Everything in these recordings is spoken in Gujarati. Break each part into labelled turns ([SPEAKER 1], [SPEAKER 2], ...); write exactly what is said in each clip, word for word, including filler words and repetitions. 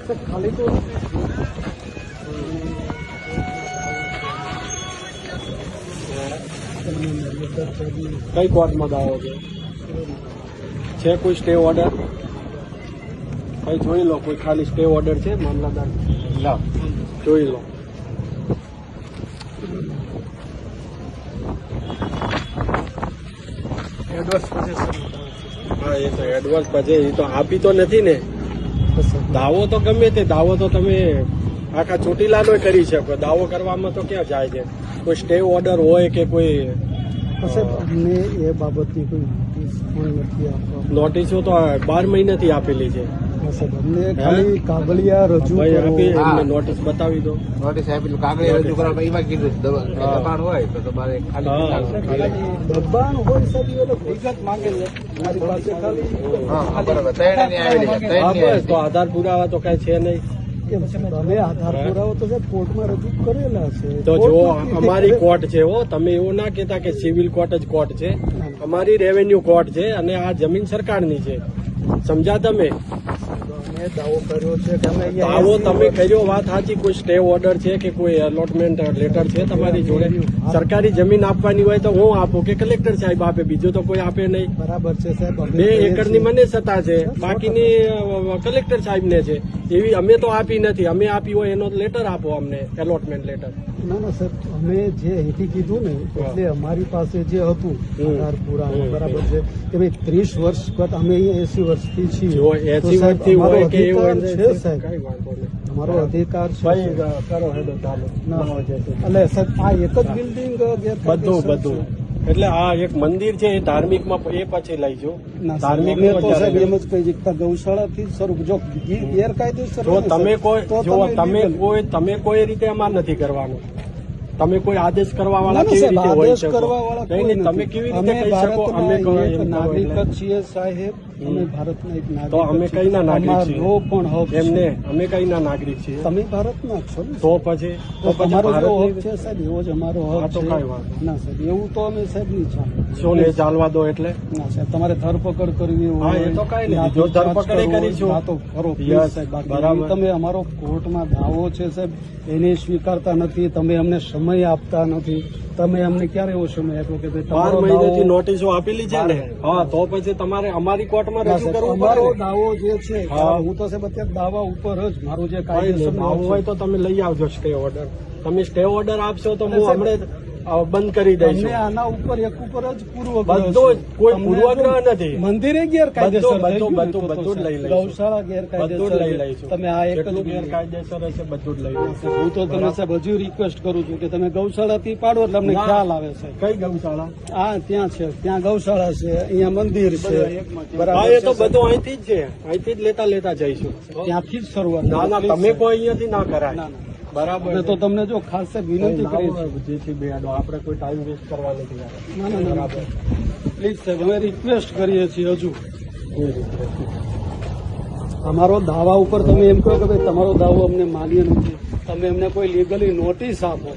[SPEAKER 1] ખાલી તો
[SPEAKER 2] કઈ કોર્ટમાં દાવો છે છે કોઈ સ્ટે ઓર્ડર કઈ જોઈ લો કોઈ ખાલી સ્ટે ઓર્ડર છે મામલતદાર લાવ જોઈ લો
[SPEAKER 1] એડવર્સ પોઝેશન
[SPEAKER 2] હા એ તો એડવાન્સ પછી એ તો આપી તો નથી ને દાવો તો ગમે તે દાવો તો તમે આખા ચોટીલાનો કરી શકો દાવો કરવામાં તો ક્યાં જાય છે કોઈ સ્ટે ઓર્ડર હોય કે કોઈ
[SPEAKER 1] સાહેબ અમને એ બાબતની કોઈ નોટિસ પણ નથી આપવા
[SPEAKER 2] નોટિસો તો બાર મહિનાથી આપેલી છે
[SPEAKER 1] સાહેબ અમને ખાલી કાગળિયા રજૂ
[SPEAKER 2] ભાઈ
[SPEAKER 1] કરો.
[SPEAKER 2] આપી એમને નોટિસ બતાવી દો
[SPEAKER 3] નોટિસ આપેલું કાગળ રજૂ કરવા એમાં કીધું દબાણ હોય તો તમારે
[SPEAKER 2] હા
[SPEAKER 1] ખાલી દબાણ હોય સાહેબ એ લોકો વિગત માંગે છે મારી પાસે ખાલી
[SPEAKER 3] હા બરાબર ત્રણ ની આવેલી છે ત્રણ
[SPEAKER 2] હા
[SPEAKER 3] ની
[SPEAKER 2] બસ તો આધાર પુરાવા તો કઈ છે નહીં
[SPEAKER 1] કેમ છે તમે આધાર પુરાવો તો સાહેબ કોર્ટમાં રજૂ કરેલા છે
[SPEAKER 2] તો જો
[SPEAKER 1] કોર્ટમાં
[SPEAKER 2] અમારી કોર્ટ છે હો તમે એવું ના કહેતા કે સિવિલ કોર્ટ જ કોર્ટ છે અમારી રેવન્યુ કોર્ટ છે અને આ જમીન સરકારની છે સમજા તમે
[SPEAKER 1] અમે દાવો કર્યો છે કે અમે અહીંયા
[SPEAKER 2] દાવો તમે કર્યો વાત સાચી કોઈ સ્ટે ઓર્ડર છે કે કોઈ એલોટમેન્ટ લેટર છે તમારી જોડે સરકારી જમીન આપવાની હોય તો હું આપું કે કલેક્ટર સાહેબ આપે બીજું તો કોઈ આપે નહીં
[SPEAKER 1] બરાબર છે સાહેબ અમે
[SPEAKER 2] બે
[SPEAKER 1] કહીએ
[SPEAKER 2] એકરની
[SPEAKER 1] છીએ.
[SPEAKER 2] મને સત્તા છે બાકીની અ, કલેક્ટર સાહેબને છે એવી અમે તો આપી નથી અમે આપી હોય એનો લેટર આપો અમને એલોટમેન્ટ લેટર
[SPEAKER 1] ના ના સાહેબ અમે જે અહીંથી કીધું ને એટલે અમારી પાસે જે હતું
[SPEAKER 2] હમ.
[SPEAKER 1] આધાર પુરાવા
[SPEAKER 2] હમ.
[SPEAKER 1] બરાબર છે કે ભાઈ ત્રીસ વર્ષ કરતા અમે અહીંયા એસી વર્ષથી છીએ
[SPEAKER 2] જો
[SPEAKER 1] તો
[SPEAKER 2] એસી
[SPEAKER 1] સાહેબ
[SPEAKER 2] વર્ષથી
[SPEAKER 1] અમારો
[SPEAKER 2] હોય કે એવું
[SPEAKER 1] અધિકાર
[SPEAKER 2] હોય
[SPEAKER 1] છે સાહેબ
[SPEAKER 2] કઈ વાંધો નહીં
[SPEAKER 1] અમારો અધિકાર છે
[SPEAKER 2] ભાઈ
[SPEAKER 1] સાહેબ.
[SPEAKER 2] કરો હેડો ચાલો
[SPEAKER 1] ના એટલે સાહેબ આ એક જ બિલ્ડિંગ
[SPEAKER 2] બધું બધું એટલે આ એક મંદિર છે એ ધાર્મિકમાં એ પછી લઈ જો ધાર્મિક
[SPEAKER 1] અમે તો સાહેબ એમ જ કહી શકતા ગૌશાળાથી શરૂ જો ગેરકાયદેસર
[SPEAKER 2] જો
[SPEAKER 1] હોય ને
[SPEAKER 2] તમે
[SPEAKER 1] સાહેબ,
[SPEAKER 2] કોઈ
[SPEAKER 1] તો
[SPEAKER 2] જો તમે
[SPEAKER 1] legal.
[SPEAKER 2] કોઈ તમે કોઈ રીતે અમાર નથી કરવાનું તમે કોઈ આદેશ કરવા વાળા
[SPEAKER 1] ના, ના,
[SPEAKER 2] કેવી
[SPEAKER 1] સાહેબ,
[SPEAKER 2] રીતે હોય
[SPEAKER 1] આદેશ
[SPEAKER 2] શકો
[SPEAKER 1] કરવા વાળા
[SPEAKER 2] નહીં,
[SPEAKER 1] કોઈ
[SPEAKER 2] નહીં, તમે
[SPEAKER 1] નથી.
[SPEAKER 2] કેવી રીતે
[SPEAKER 1] અમે
[SPEAKER 2] કહી શકો
[SPEAKER 1] ભારતના
[SPEAKER 2] અમે કહો
[SPEAKER 1] એક
[SPEAKER 2] એમ કહો
[SPEAKER 1] નાગરિક
[SPEAKER 2] એટલે.
[SPEAKER 1] જ છીએ સાહેબ અમે ભારતના એક નાગરિક
[SPEAKER 2] તો અમે
[SPEAKER 1] જ છીએ.
[SPEAKER 2] કઈના નાગરિક છીએ
[SPEAKER 1] અમારો પણ હક છે.
[SPEAKER 2] એમને અમે કઈના નાગરિક છીએ
[SPEAKER 1] તમે ભારતના જ છો ને
[SPEAKER 2] તો પછી
[SPEAKER 1] તો
[SPEAKER 2] તો પછી
[SPEAKER 1] તમારો જો હક
[SPEAKER 2] ભારતની
[SPEAKER 1] છે સાહેબ એવો જ અમારો
[SPEAKER 2] હા,
[SPEAKER 1] હક
[SPEAKER 2] તો
[SPEAKER 1] છે
[SPEAKER 2] કાંઈ વાંધો
[SPEAKER 1] ના સાહેબ એવું તો અમે સાહેબ નહીં ચાલે
[SPEAKER 2] શું ને ચાલવા દો એટલે
[SPEAKER 1] ના સાહેબ તમારે ધરપકડ કરવી
[SPEAKER 2] હા,
[SPEAKER 1] હોય
[SPEAKER 2] એ તો કાંઈ નહીં.
[SPEAKER 1] યા
[SPEAKER 2] જો
[SPEAKER 1] પૂછતાછ
[SPEAKER 2] ધરપકડ એ
[SPEAKER 1] કરવી હોય,
[SPEAKER 2] કરીશું.
[SPEAKER 1] હા, તો કરો
[SPEAKER 2] Yes,
[SPEAKER 1] please સાહેબ બાકી
[SPEAKER 2] બરાબર.
[SPEAKER 1] તમે અમારો કોર્ટમાં દાવો છે સાહેબ એને સ્વીકારતા નથી તમે અમને સમય આપતા નથી તમે અમને ક્યારે એવો સમય આપ્યો કે ભાઈ
[SPEAKER 2] બાર
[SPEAKER 1] તમારો
[SPEAKER 2] મહિનાથી
[SPEAKER 1] દાવો-
[SPEAKER 2] નોટિસો આપેલી છે ને હા તો પછી તમારે અમારી કોર્ટમાં
[SPEAKER 1] ના,
[SPEAKER 2] રજૂ
[SPEAKER 1] સાહેબ,
[SPEAKER 2] કરવું
[SPEAKER 1] અમારો
[SPEAKER 2] પડે ને.
[SPEAKER 1] દાવો જે છે
[SPEAKER 2] હા.
[SPEAKER 1] હું તો સાહેબ અત્યારે દાવા ઉપર જ મારું જે
[SPEAKER 2] કઈ
[SPEAKER 1] કાયદેસર
[SPEAKER 2] નહીં, આવું હોય તો તમે લઈ આવજો સ્ટે ઓર્ડર તમે સ્ટે ઓર્ડર આપશો તો હું હમણાં અ, બંધ કરી
[SPEAKER 1] તમને
[SPEAKER 2] દઈશું
[SPEAKER 1] આના ઉપર એક ઉપર જ પૂર્વગ્રહ
[SPEAKER 2] બધો જ,
[SPEAKER 1] છે.
[SPEAKER 2] કોઈ
[SPEAKER 1] તમને
[SPEAKER 2] પૂર્વગ્રહ
[SPEAKER 1] જો
[SPEAKER 2] નથી.
[SPEAKER 1] મંદિરે ગેરકાયદેસર
[SPEAKER 2] બધું,
[SPEAKER 1] થઈ ગયું
[SPEAKER 2] બધું,
[SPEAKER 1] તો તો
[SPEAKER 2] બધું જ લઈ
[SPEAKER 1] સાહેબ,
[SPEAKER 2] લઈશું.
[SPEAKER 1] ગૌશાળા
[SPEAKER 2] બધું
[SPEAKER 1] ગેરકાયદેસર
[SPEAKER 2] જ લઈ
[SPEAKER 1] છે.
[SPEAKER 2] લઈશું
[SPEAKER 1] તમે આ એક જ
[SPEAKER 2] જેટલું ગેરકાયદેસર હશે બધું જ લઈ લઈશું
[SPEAKER 1] હું તો તમને સાહેબ હજુ રિક્વેસ્ટ કરું છું કે તમે ગૌશાળાથી પાડો એટલે અમને
[SPEAKER 2] ના.
[SPEAKER 1] ખ્યાલ આવે સાહેબ
[SPEAKER 2] કઈ ગૌશાળા
[SPEAKER 1] આ ત્યાં છે ત્યાં ગૌશાળા છે અહીંયા મંદિર છે બરાબર
[SPEAKER 2] હા એ તો
[SPEAKER 1] છે,
[SPEAKER 2] બધું અહીંથી જ છે અહીંથી જ લેતા લેતા જઈશું
[SPEAKER 1] ત્યાંથી જ શરૂઆત
[SPEAKER 2] ના ના
[SPEAKER 1] Please,
[SPEAKER 2] તમે
[SPEAKER 1] સાહેબ.
[SPEAKER 2] કોઈ અહીંયાથી ના કરાય
[SPEAKER 1] ના, ના.
[SPEAKER 2] બરાબર
[SPEAKER 1] અમે તો તમને જો ખાસ સાહેબ વિનંતી કરી છે
[SPEAKER 2] જે છે બે આડો આપણે કોઈ ટાઈમ વેસ્ટ કરવા નથી યાર.
[SPEAKER 1] ના ના બરાબર પ્લીઝ સાહેબ અમે રિક્વેસ્ટ કરીએ છીએ હજુ
[SPEAKER 2] કોઈ રીતે નથી.
[SPEAKER 1] અમારો દાવા ઉપર તમે એમ કહો કે ભાઈ તમારો દાવો અમને માન્ય નથી તમે એમને કોઈ લીગલી નોટિસ આપો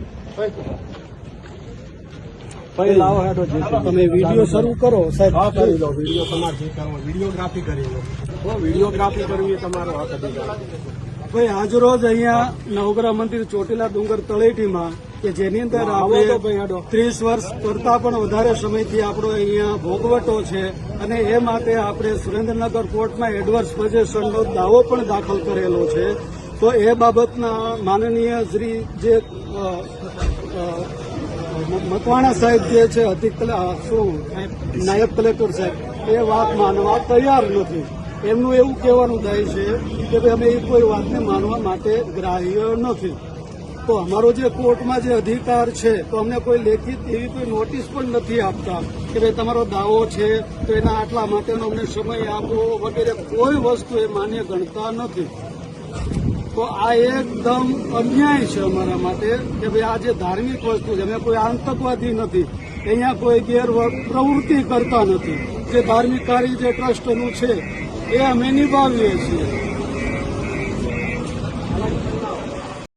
[SPEAKER 2] ભાઈ લાવો હેડો જે છે.
[SPEAKER 1] તમે વિડીયો શરૂ કરો સાહેબ
[SPEAKER 2] હા કરી લો વિડીયો તમારે જે કરવો વિડીયોગ્રાફી કરી લો હો, વિડીયોગ્રાફી કરવી એ તમારો હક અધિકાર છે.
[SPEAKER 1] ભાઈ આજરોજ અહીંયા નવગ્રહ મંદિર ચોટીલા ડુંગર તળેટીમાં કે જેની અંદર
[SPEAKER 2] આવો તો
[SPEAKER 1] આપણે
[SPEAKER 2] ભાઈ હેડો
[SPEAKER 1] ત્રીસ વર્ષ કરતા પણ વધારે સમયથી આપણો અહીંયા ભોગવટો છે અને એ માટે આપણે સુરેન્દ્રનગર કોર્ટમાં એડવર્સ પોઝેશનનો દાવો પણ દાખલ કરેલો છે તો એ બાબતના માનનીય શ્રી જે અ, અ, મકવાણા સાહેબ જે છે અધિક કલે- શું નાયબ કલેક્ટર સાહેબ એ વાત માનવા તૈયાર નથી એમનું એવું કહેવાનું થાય છે કે ભાઈ અમે એ કોઈ વાતને માનવા માટે ગ્રાહ્ય નથી તો અમારો જે કોર્ટમાં જે અધિકાર છે તો અમને કોઈ લેખિત એવી કોઈ નોટિસ પણ નથી આપતા કે ભાઈ તમારો દાવો છે તો એના આટલા માટેનો અમને સમય આપો વગેરે કોઈ વસ્તુ એ માન્ય ગણતા નથી તો આ એકદમ અન્યાય છે અમારા માટે કે ભાઈ આ જે ધાર્મિક વસ્તુ છે અમે કોઈ આતંકવાદી નથી અહીંયા કોઈ ગેર પ્રવૃત્તિ કરતા નથી જે ધાર્મિક કાર્ય જે ટ્રસ્ટનું છે એ અમે નિભાવીએ છીએ